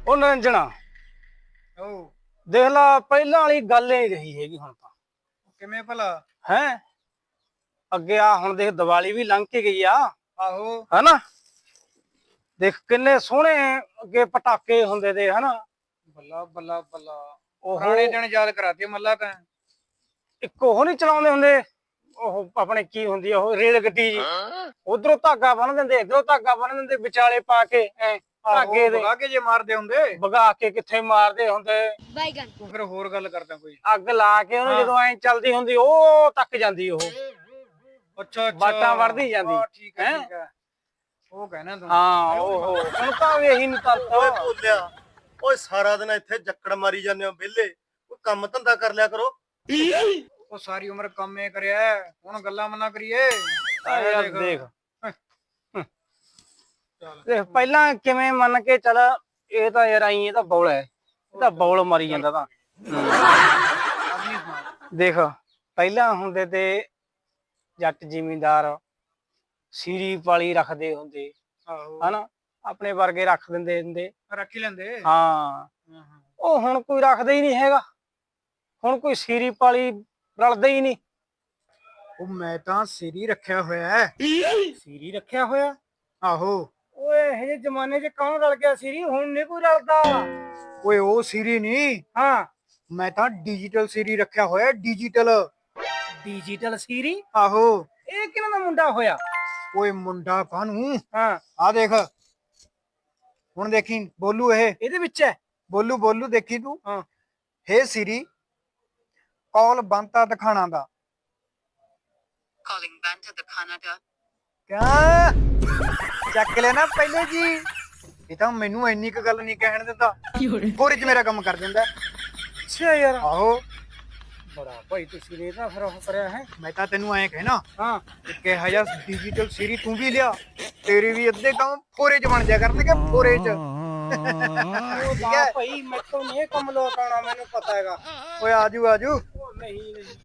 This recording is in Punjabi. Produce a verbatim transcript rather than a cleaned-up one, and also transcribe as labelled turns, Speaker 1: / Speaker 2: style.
Speaker 1: ਉਹ ਨਿਰੰਜਣਾ
Speaker 2: ਉਹ
Speaker 1: ਦੇਖ ਲਾ ਪਹਿਲਾਂ ਵਾਲੀ ਗੱਲ ਹੀ ਰਹੀ ਹੈਗੀ ਹੁਣ ਤਾਂ।
Speaker 2: ਕਿਵੇਂ ਭਲਾ?
Speaker 1: ਹੈ ਅੱਗੇ ਆ ਹੁਣ ਦੇਖ ਦੀਵਾਲੀ ਵੀ ਲੰਘ ਕੇ ਗਈ ਆ
Speaker 2: ਆਹੋ
Speaker 1: ਹਨਾ। ਦੇਖ ਕਿੰਨੇ ਸੋਹਣੇ ਅੱਗੇ ਪਟਾਕੇ ਹੁੰਦੇ ਤੇ ਹਨਾ।
Speaker 2: ਬੱਲਾ ਬੱਲਾ ਬੱਲਾ
Speaker 1: ਉਹ
Speaker 2: ਪੁਰਾਣੇ ਦਿਨ ਯਾਦ ਕਰਾਤੇ ਮੱਲਾ ਤਾਂ।
Speaker 1: ਇੱਕ ਉਹ ਨੀ ਚਲਾਉਂਦੇ ਹੁੰਦੇ ਉਹ ਆਪਣੇ ਕੀ ਹੁੰਦੀ ਆ ਉਹ ਰੇਲ ਗੱਡੀ ਜੀ। ਉਧਰੋਂ ਧਾਗਾ ਬੰਨ ਦਿੰਦੇ ਇਧਰੋਂ ਧਾਗਾ ਬੰਨ ਦਿੰਦੇ ਵਿਚਾਲੇ ਪਾ ਕੇ ਐ ਧਾਗੇ ਦੇ
Speaker 2: ਭਗਾ ਕੇ ਜੇ ਮਾਰਦੇ ਹੁੰਦੇ
Speaker 1: ਵਗਾ ਕੇ ਕਿੱਥੇ ਮਾਰਦੇ ਹੁੰਦੇ।
Speaker 2: ਤੂੰ ਫਿਰ ਹੋਰ ਗੱਲ ਕਰਦਾ ਕੋਈ।
Speaker 1: ਅੱਗ ਲਾ ਕੇ ਉਹਨੂੰ ਜਦੋਂ ਐ ਚੱਲਦੀ ਹੁੰਦੀ ਉਹ ਤੱਕ ਜਾਂਦੀ ਉਹ
Speaker 2: ਅੱਛਾ ਅੱਛਾ
Speaker 1: ਬਾਟਾਂ ਵੜਦੀ ਜਾਂਦੀ।
Speaker 2: ਠੀਕ ਹੈ ਠੀਕ ਹੈ ਉਹ ਕਹਿਣਾ ਤੂੰ।
Speaker 1: ਹਾਂ ਉਹ ਹੁਣ ਤਾਂ ਇਹੀ ਨੀ ਤੰਤ।
Speaker 3: ਓਏ ਭੁੱਲਿਆ ਓਏ ਸਾਰਾ ਦਿਨ ਇੱਥੇ ਜੱਕੜ ਮਾਰੀ ਜਾਂਦੇ ਹੋ ਵਿਹਲੇ। ਕੋਈ ਕੰਮ ਧੰਦਾ ਕਰ ਲਿਆ ਕਰੋ।
Speaker 2: ਉਹ ਸਾਰੀ ਉਮਰ ਕੰਮੇ ਕਰਿਆ ਹੁਣ ਗੱਲਾਂ ਮਨਾ ਕਰੀਏ।
Speaker 1: ਯਾਰ ਦੇਖ ਦੇਖ ਪਹਿਲਾਂ ਕਿਵੇਂ ਮੰਨ ਕੇ ਚੱਲ ਇਹ ਤਾਂ ਯਾਰ ਆਈ ਇਹ ਤਾਂ ਬੌਲ ਹੈ ਇਹ ਤਾਂ ਬੌਲ ਮਾਰੀ ਜਾਂਦਾ ਤਾਂ। ਦੇਖ ਪਹਿਲਾਂ ਹੁੰਦੇ ਤੇ ਜੱਟ ਜ਼ਿਮੀਂਦਾਰ ਸੀਰੀ ਪਾਲੀ ਰੱਖਦੇ ਹੁੰਦੇ
Speaker 2: ਆਹੋ
Speaker 1: ਹਨਾ ਆਪਣੇ ਵਰਗੇ ਰੱਖ ਦਿੰਦੇ ਹੁੰਦੇ।
Speaker 2: ਰੱਖ ਹੀ ਲੈਂਦੇ।
Speaker 1: ਹਾਂ ਉਹ ਹੁਣ ਕੋਈ ਰੱਖਦਾ ਹੀ ਨਹੀਂ ਹੈਗਾ। ਹੁਣ ਕੋਈ ਸੀਰੀ ਪਾਲੀ ਰਲਦਾ ਹੀ ਨਹੀਂ।
Speaker 2: ਉਹ ਮੈਂ ਤਾਂ ਸਿਰੀ ਰੱਖਿਆ ਹੋਇਆ ਹੈ।
Speaker 1: ਸੀਰੀ ਰੱਖਿਆ ਹੋਇਆ
Speaker 2: ਆਹੋ
Speaker 1: ਓਏ ਇਹ ਜਿਹੇ ਜ਼ਮਾਨੇ 'ਚ ਕੌਣ ਰਲ ਗਿਆ ਸੀਰੀ ਹੁਣ ਨਹੀਂ ਕੋਈ ਰਲਦਾ।
Speaker 2: ਓਏ ਉਹ ਸਿਰੀ ਨਹੀਂ
Speaker 1: ਹਾਂ
Speaker 2: ਮੈਂ ਤਾਂ ਡਿਜੀਟਲ ਸਿਰੀ ਰੱਖਿਆ ਹੋਇਆ ਡਿਜੀਟਲ।
Speaker 1: ਡਿਜੀਟਲ ਸੀਰੀ
Speaker 2: ਆਹੋ
Speaker 1: ਇਹ ਕਿਹਨਾਂ ਦਾ ਮੁੰਡਾ ਹੋਇਆ?
Speaker 2: ਓਏ ਮੁੰਡਾ ਕਾਹਨੂੰ
Speaker 1: ਹਾਂ
Speaker 2: ਆ ਦੇਖ ਹੁਣ ਦੇਖੀ ਬੋਲੂ ਇਹ
Speaker 1: ਇਹਦੇ ਵਿੱਚ ਹੈ।
Speaker 2: ਬੋਲੂ ਬੋਲੂ ਦੇਖੀ ਤੂੰ।
Speaker 1: ਹਾਂ
Speaker 2: ਹੇ ਸਿਰੀ ਕਾਲ ਬੰਤਾ ਦਿਖਾਣਾ ਦਾ।
Speaker 4: Calling Banta the Canada.
Speaker 2: ਕਿਆ ਚੱਕ ਲੈ ਨਾ ਪਹਿਲੇ ਜੀ। ਇਹ ਤਾਂ ਮੈਨੂੰ ਇੰਨੀ ਕੁ ਗੱਲ ਨਹੀਂ ਕਹਿਣ ਦਿੰਦਾ। ਕੋਰੇ ਚ ਮੇਰਾ ਕੰਮ ਕਰ ਦਿੰਦਾ।
Speaker 1: ਅੱਛਾ ਯਾਰ
Speaker 2: ਆਹੋ
Speaker 1: ਬੜਾ ਭਾਈ ਤੁਸੀਂ ਨੇ ਤਾਂ ਫਿਰ ਉਹ ਕਰਿਆ ਹੈ।
Speaker 2: ਮੈਂ ਤਾਂ ਤੈਨੂੰ ਐਂ ਕਹਿਣਾ
Speaker 1: ਹਾਂ
Speaker 2: ਕਿਹਾ ਜਾ ਡਿਜੀਟਲ ਸਿਰੀ ਤੂੰ ਵੀ ਲਿਆ ਤੇਰੇ ਵੀ ਅੱਧੇ ਕੰਮ ਫੋਰੇ ਚ ਬਣ ਜਾ ਕਰਨਗੇ ਫੋਰੇ ਚ।
Speaker 1: ਉਹ ਤਾਂ ਭਾਈ ਮੈਥੋਂ ਨਹੀਂ ਇਹ ਕੰਮ ਲੋਟ ਆਉਣਾ ਮੈਨੂੰ ਪਤਾ ਹੈਗਾ।
Speaker 2: ਓਏ ਆਜੂ ਆਜੂ
Speaker 1: ਉਹ ਨਹੀਂ ਨਹੀਂ